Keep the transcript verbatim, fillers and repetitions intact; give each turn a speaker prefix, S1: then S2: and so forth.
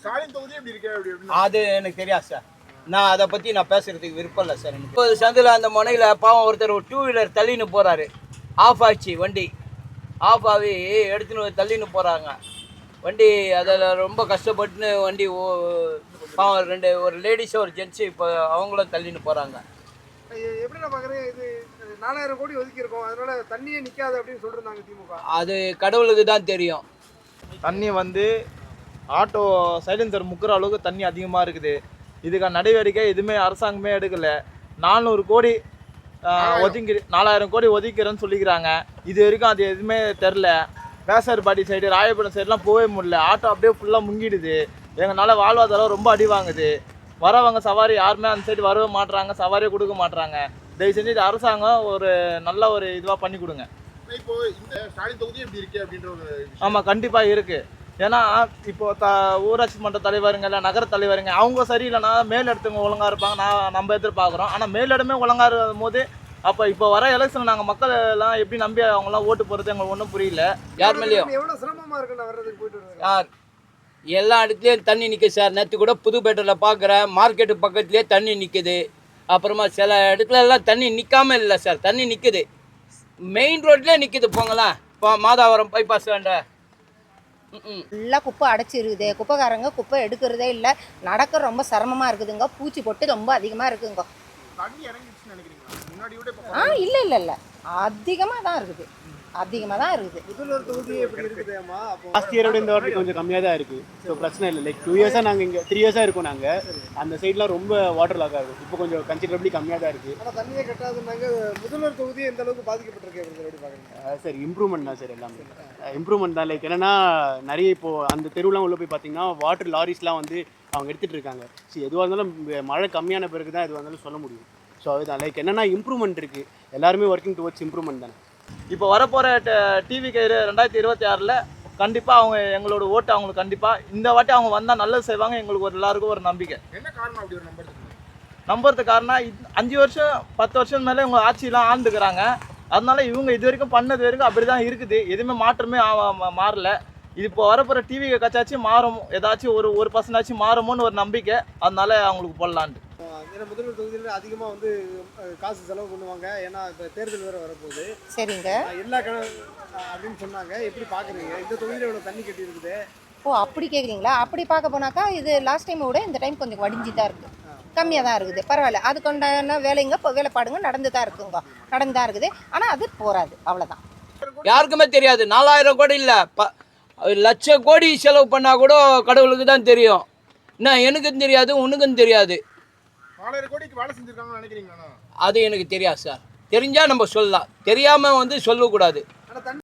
S1: ஸ்டாலின் தொகுதி எப்படி இருக்கு?
S2: அது எனக்கு தெரியாது சார். நான் அதை பற்றி நான் பேசுகிறதுக்கு விருப்பம் இல்லை சார். எனக்கு இப்போ சந்தில் அந்த முனையில் பாவம் ஒருத்தர் ஒரு டூ வீலர் தள்ளின்னு போகிறாரு. ஆஃப் ஆச்சு வண்டி. ஆஃப் ஆகி எடுத்துன்னு தள்ளின்னு போகிறாங்க வண்டி. அதில் ரொம்ப கஷ்டப்பட்டுன்னு வண்டி ஓ பாவம் ரெண்டு ஒரு லேடிஸும் ஒரு ஜென்ஸு இப்போ அவங்களும் தள்ளின்னு போகிறாங்க.
S3: எப்படி நான் பார்க்குறேன், இது நாலாயிரம் கோடி ஒதுக்கியிருக்கோம், அதனால தண்ணியே நிற்காது அப்படின்னு சொல்லியிருந்தாங்க திமுக.
S2: அது கடவுளுக்கு தான் தெரியும்.
S4: தண்ணி வந்து ஆட்டோ சைலன்சர் முக்கிற அளவுக்கு தண்ணி அதிகமாக இருக்குது. இதுக்கான நடவடிக்கை எதுவுமே அரசாங்கமே எடுக்கலை. நானூறு கோடி ஒதுக்கி நாலாயிரம் கோடி ஒதுக்கிறேன்னு சொல்லிக்கிறாங்க. இது வரைக்கும் அது எதுவுமே தெரில. வேசார்பாடி சைடு ராயபுரம் சைடெலாம் போகவே முடியல. ஆட்டோ அப்படியே ஃபுல்லாக முங்கிடுது. எங்களால் வாழ்வாதாரம் ரொம்ப அடி வாங்குது. வரவங்க சவாரி யாருமே அந்த சைடு வரவே மாட்டுறாங்க, சவாரியே கொடுக்க மாட்டுறாங்க. தயவு செஞ்சு இது அரசாங்கம் ஒரு நல்ல ஒரு இதுவாக பண்ணி கொடுங்க.
S1: இப்போ இந்த ஸ்டாலின் தொகுதி எப்படி இருக்கு அப்படின்ற ஒரு
S4: ஆமாம், கண்டிப்பாக இருக்குது. ஏன்னா இப்போ த ஊராட்சி மன்ற தலைவருங்க இல்லை நகர தலைவருங்க அவங்க சரியில்லைன்னா மேல் இடத்துங்க ஒழுங்காக இருப்பாங்க, நான் நம்ம எதிர்பார்க்குறோம். ஆனால் மேலிடமே ஒழுங்காக இருக்கும் போது அப்போ இப்போ வர எலெக்ஷன் நாங்கள் மக்கள் எல்லாம் எப்படி நம்பி அவங்களாம் ஓட்டு போகிறது எங்களுக்கு ஒன்றும் புரியல.
S2: யார் மேலேயும்
S3: எவ்வளோ சிரமமாக இருக்குன்னு வர்றதுக்கு போயிட்டு வருவாங்க.
S2: யார் எல்லா இடத்துலையும் தண்ணி நிற்குது சார். நேற்று கூட புதுப்பேட்டையில் பார்க்குறேன், மார்க்கெட்டு பக்கத்துலேயே தண்ணி நிற்குது. அப்புறமா சில இடத்துல எல்லாம் தண்ணி நிற்காமல் இல்லை சார், தண்ணி நிற்குது. மெயின் ரோட்லேயே நிற்குது. போங்களேன் இப்போ மாதாவரம் பைபாஸ் வேண்ட
S5: ஃபுல்லாக குப்பை அடைச்சிருக்குது. குப்பைக்காரங்க குப்பை எடுக்கிறதே இல்லை. நடக்க ரொம்ப சிரமமாக இருக்குதுங்க. பூச்சி பொட்டு ரொம்ப அதிகமாக இருக்குங்க.
S1: தண்ணி இறங்கிடுச்சுன்னு நினைக்கிறீங்களா? முன்னாடி விட
S5: ஆ இல்லை இல்லை இல்லை அதிகமாக தான் இருக்குது, அதிகமாக தான் இருக்குது.
S3: முதல்வர் தொகுதி எப்படி இருக்குதுமா? அப்போ
S6: லாஸ்ட் இயரோட இந்த வாட்டி கொஞ்சம் கம்மியாக தான் இருக்குது. ஸோ பிரச்சனை இல்லை. லைக் டூ இயர்ஸாக நாங்கள் இங்கே த்ரீ இயர்ஸாக இருக்கோம். நாங்கள் அந்த சைட்லாம் ரொம்ப வாட்டர் லாக் ஆகுது. இப்போ கொஞ்சம் கன்சிடரபிளி கம்மியாக தான் இருக்குது.
S3: ஆனால் தண்ணியே கட்டாதுன்னாங்க. முதல்வர் தொகுதி எந்த அளவுக்கு பாதிக்கப்பட்டிருக்கு எப்படி பார்க்குறீங்க?
S6: சார் இம்ப்ரூவ்மெண்ட் தான் சார், எல்லாமே இம்ப்ரூவ்மெண்ட் தான். லைக் என்னென்னா நிறைய இப்போது அந்த தெருவுலாம் உள்ளே போய் பார்த்தீங்கன்னா வாட்டர் லாரிஸ்லாம் வந்து அவங்க எடுத்துகிட்டு இருக்காங்க. ஸோ எதுவாக இருந்தாலும் மழை கம்மியான பிறகு தான் எதுவாக இருந்தாலும் சொல்ல முடியும். ஸோ அதுதான் லைக் என்னென்னா இம்ப்ரூவ்மெண்ட் இருக்குது. எல்லாருமே ஒர்க்கிங் டுவர்ட்ஸ் இம்ப்ரூவ்மெண்ட் தானே.
S4: இப்போ வரப்போகிற டிவி கயிறு ரெண்டாயிரத்தி இருபத்தி ஆறில் கண்டிப்பாக அவங்க எங்களோட ஓட்டு அவங்களுக்கு கண்டிப்பாக இந்த வாட்டி அவங்க வந்தால் நல்லது செய்வாங்க. எங்களுக்கு ஒரு எல்லாருக்கும் ஒரு நம்பிக்கை.
S1: என்ன காரணம் அப்படி ஒரு நம்பர்
S4: நம்புறதுக்கு காரணம் அஞ்சு வருஷம் பத்து வருஷம் மேலே இவங்க ஆட்சியெலாம் ஆண்டுக்கிறாங்க. அதனால இவங்க இது வரைக்கும் பண்ணது வரைக்கும் அப்படி தான் இருக்குது. எதுவுமே மாற்றமே மாறல. இது இப்போ வரப்போகிற டிவி கச்சாச்சும் மாறும், ஏதாச்சும் ஒரு ஒரு பர்சன்டாச்சும் மாறுமோன்னு ஒரு நம்பிக்கை. அதனால அவங்களுக்கு போடலான்ட்டு.
S3: ஏன்னா முதல்வர் தொகுதியில் அதிகமாக வந்து காசு செலவு பண்ணுவாங்க. ஏன்னா இப்போ தேர்தல் வேறு வரப்போகுது.
S5: சரிங்க.
S3: எல்லா கண அப்படின்னு சொன்னாங்க. எப்படி பார்க்குறீங்க? இந்த தொகுதியில் இவ்வளோ தண்ணி கட்டி இருக்குது.
S5: ஓ அப்படி கேட்குறீங்களா? அப்படி பார்க்க போனாக்கா இது லாஸ்ட் டைமை விட இந்த டைம் கொஞ்சம் வடிஞ்சு தான் இருக்குது, கம்மியாக தான் இருக்குது. பரவாயில்ல, அதுக்குண்டான வேலைங்க இப்போ வேலைப்பாடுங்க நடந்து தான் இருக்குங்க, நடந்து தான் இருக்குது. ஆனால் அது போகாது, அவ்வளோதான்.
S2: யாருக்குமே தெரியாது. நாலாயிரம் கோடி இல்லை, ப லட்ச கோடி செலவு பண்ணால் கூட கடவுளுக்கு தான் தெரியும். என்ன எனக்கும் தெரியாது, உனக்கும் தெரியாது.
S1: நாலாயிரம் கோடிக்கு வேலை செஞ்சுருக்காங்கன்னு நினைக்கிறீங்களா?
S2: அது எனக்கு தெரியாது சார். தெரிஞ்சால் நம்ம சொல்லலாம், தெரியாமல் வந்து சொல்லக்கூடாது.
S3: ஆனால்